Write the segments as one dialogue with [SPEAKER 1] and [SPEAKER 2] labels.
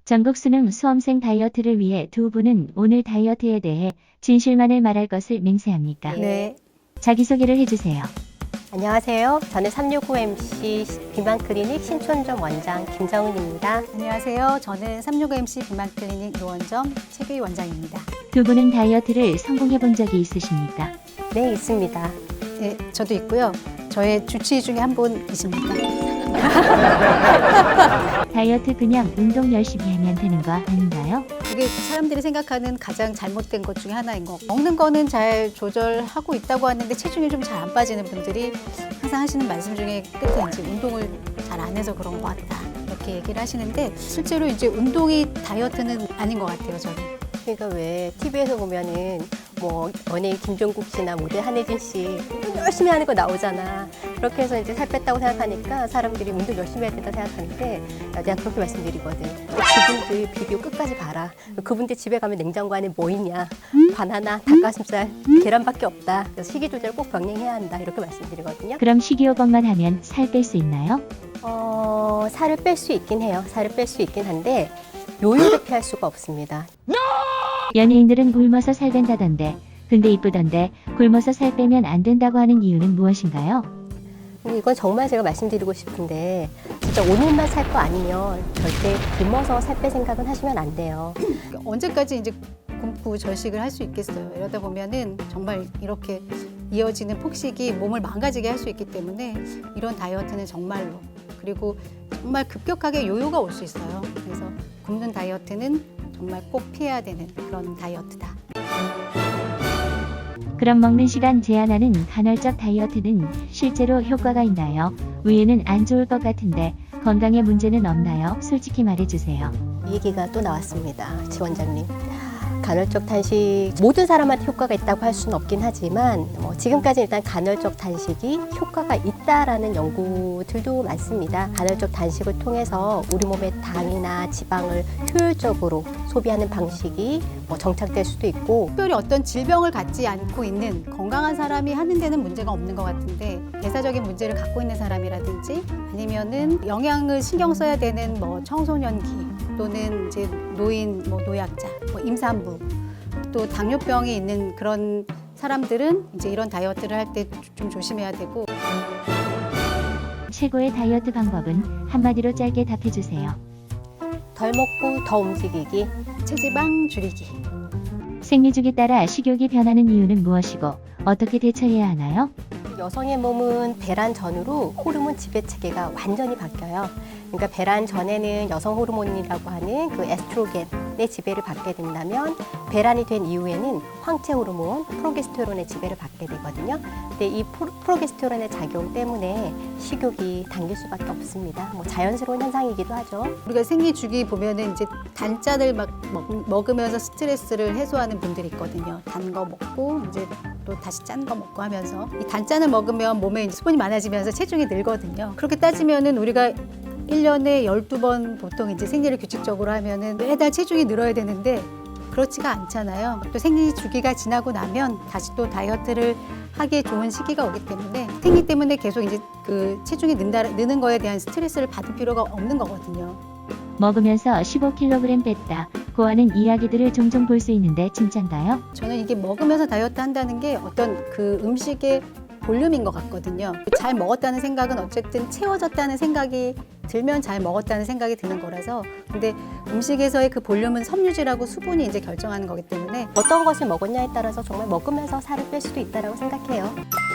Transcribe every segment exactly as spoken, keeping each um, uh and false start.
[SPEAKER 1] 전국 수능 수험생 다이어트를 위해 두 분은 오늘 다이어트에 대해 진실만을 말할 것을 맹세합니까?
[SPEAKER 2] 네.
[SPEAKER 1] 자기소개를 해주세요.
[SPEAKER 2] 안녕하세요. 저는 삼육오 엠씨 비만클리닉 신촌점 원장 김정은입니다.
[SPEAKER 3] 안녕하세요. 저는 삼육오 엠씨 비만클리닉 노원점 최규희 원장입니다.
[SPEAKER 1] 두 분은 다이어트를 성공해 본 적이 있으십니까?
[SPEAKER 2] 네, 있습니다.
[SPEAKER 3] 네, 저도 있고요. 저의 주치의 중에 한 분이십니다.
[SPEAKER 1] 다이어트 그냥 운동 열심히 하면 되는 거 아닌가요?
[SPEAKER 3] 이게 사람들이 생각하는 가장 잘못된 것 중에 하나인 거. 먹는 거는 잘 조절하고 있다고 하는데 체중이 좀 잘 안 빠지는 분들이 항상 하시는 말씀 중에 끝에 이제 운동을 잘 안 해서 그런 것 같다. 이렇게 얘기를 하시는데 실제로 이제 운동이 다이어트는 아닌 것 같아요, 저는.
[SPEAKER 2] 그러니까 왜 티비에서 보면은 뭐 연예인 김종국 씨나 모델 한혜진 씨 운동 열심히 하는 거 나오잖아. 그렇게 해서 이제 살 뺐다고 생각하니까 사람들이 운동 열심히 해야 된다 생각하는데 내가 그렇게 말씀드리거든. 그분들 비디오 끝까지 봐라. 그분들 집에 가면 냉장고 안에 뭐 있냐. 바나나, 닭가슴살, 계란밖에 없다. 그래서 식이 조절 꼭 병행해야 한다. 이렇게 말씀드리거든요.
[SPEAKER 1] 그럼 식이요법만 하면 살 뺄 수 있나요?
[SPEAKER 2] 어, 살을 뺄 수 있긴 해요. 살을 뺄 수 있긴 한데 요요를 피할 수가 없습니다.
[SPEAKER 1] 연예인들은 굶어서 살 뺀다던데, 근데 이쁘던데 굶어서 살 빼면 안 된다고 하는 이유는 무엇인가요?
[SPEAKER 2] 이건 정말 제가 말씀드리고 싶은데 진짜 오늘만 살 거 아니면 절대 굶어서 살 뺄 생각은 하시면 안 돼요.
[SPEAKER 3] 언제까지 이제 굶고 절식을 할 수 있겠어요. 이러다 보면은 정말 이렇게 이어지는 폭식이 몸을 망가지게 할 수 있기 때문에 이런 다이어트는 정말로 그리고 정말 급격하게 요요가 올 수 있어요. 그래서 굶는 다이어트는 정말 꼭 피해야 되는 그런 다이어트다.
[SPEAKER 1] 그럼 먹는 시간 제한하는 간헐적 다이어트는 실제로 효과가 있나요? 위에는 안 좋을 것 같은데 건강에 문제는 없나요? 솔직히 말해주세요.
[SPEAKER 2] 이 얘기가 또 나왔습니다. 지원장님. 간헐적 단식 모든 사람한테 효과가 있다고 할 수는 없긴 하지만 뭐 지금까지 일단 간헐적 단식이 효과가 있다라는 연구들도 많습니다. 간헐적 단식을 통해서 우리 몸의 당이나 지방을 효율적으로 소비하는 방식이 뭐 정착될 수도 있고
[SPEAKER 3] 특별히 어떤 질병을 갖지 않고 있는 건강한 사람이 하는 데는 문제가 없는 것 같은데 대사적인 문제를 갖고 있는 사람이라든지 아니면은 영양을 신경 써야 되는 뭐 청소년기 또는 이제 노인, 뭐 노약자, 뭐 임산부 또 당뇨병이 있는 그런 사람들은 이제 이런 다이어트를 할 때 좀 조심해야 되고.
[SPEAKER 1] 최고의 다이어트 방법은 한마디로 짧게 답해주세요.
[SPEAKER 2] 덜 먹고 더 움직이기.
[SPEAKER 3] 체지방 줄이기.
[SPEAKER 1] 생리주기 따라 식욕이 변하는 이유는 무엇이고 어떻게 대처해야 하나요?
[SPEAKER 2] 여성의 몸은 배란 전후로 호르몬 지배 체계가 완전히 바뀌어요. 그러니까 배란 전에는 여성 호르몬이라고 하는 그 에스트로겐의 지배를 받게 된다면 배란이 된 이후에는 황체 호르몬, 프로게스테론의 지배를 받게 되거든요. 근데 이 프로, 프로게스테론의 작용 때문에 식욕이 당길 수밖에 없습니다. 뭐 자연스러운 현상이기도 하죠.
[SPEAKER 3] 우리가 생리 주기 보면은 이제 단짠을 막 먹, 먹으면서 스트레스를 해소하는 분들이 있거든요. 단 거 먹고 이제 또 다시 짠 거 먹고 하면서 이 단짠을 먹으면 몸에 이제 수분이 많아지면서 체중이 늘거든요. 그렇게 따지면은 우리가 일 년에 열두 번 보통 이제 생리를 규칙적으로 하면은 매달 체중이 늘어야 되는데 그렇지가 않잖아요. 또 생리 주기가 지나고 나면 다시 또 다이어트를 하기에 좋은 시기가 오기 때문에 생리 때문에 계속 이제 그 체중이 는다, 느는 거에 대한 스트레스를 받을 필요가 없는 거거든요.
[SPEAKER 1] 먹으면서 십오 킬로그램 뺐다 고하는 이야기들을 종종 볼 수 있는데 진짠가요?
[SPEAKER 3] 저는 이게 먹으면서 다이어트 한다는 게 어떤 그 음식의 볼륨인 것 같거든요. 잘 먹었다는 생각은 어쨌든 채워졌다는 생각이 들면 잘 먹었다는 생각이 드는 거라서 근데 음식에서의 그 볼륨은 섬유질하고 수분이 이제 결정하는 거기 때문에
[SPEAKER 2] 어떤 것을 먹었냐에 따라서 정말 먹으면서 살을 뺄 수도 있다고 생각해요.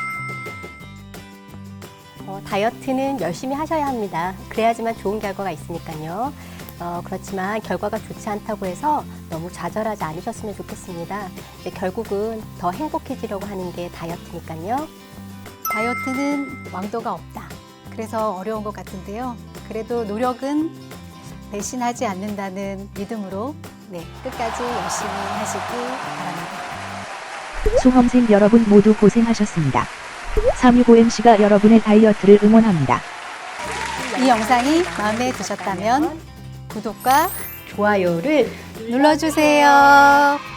[SPEAKER 2] 어, 다이어트는 열심히 하셔야 합니다. 그래야지만 좋은 결과가 있으니까요. 어, 그렇지만 결과가 좋지 않다고 해서 너무 좌절하지 않으셨으면 좋겠습니다. 근데 결국은 더 행복해지려고 하는 게 다이어트니까요.
[SPEAKER 3] 다이어트는 왕도가 없다. 그래서 어려운 것 같은데요. 그래도 노력은 배신하지 않는다는 믿음으로 네, 끝까지 열심히 하시기 바랍니다.
[SPEAKER 4] 수험생 여러분 모두 고생하셨습니다. 삼육오 엠씨가 여러분의 다이어트를 응원합니다.
[SPEAKER 3] 이 영상이 마음에 드셨다면 구독과
[SPEAKER 2] 좋아요를
[SPEAKER 3] 눌러주세요.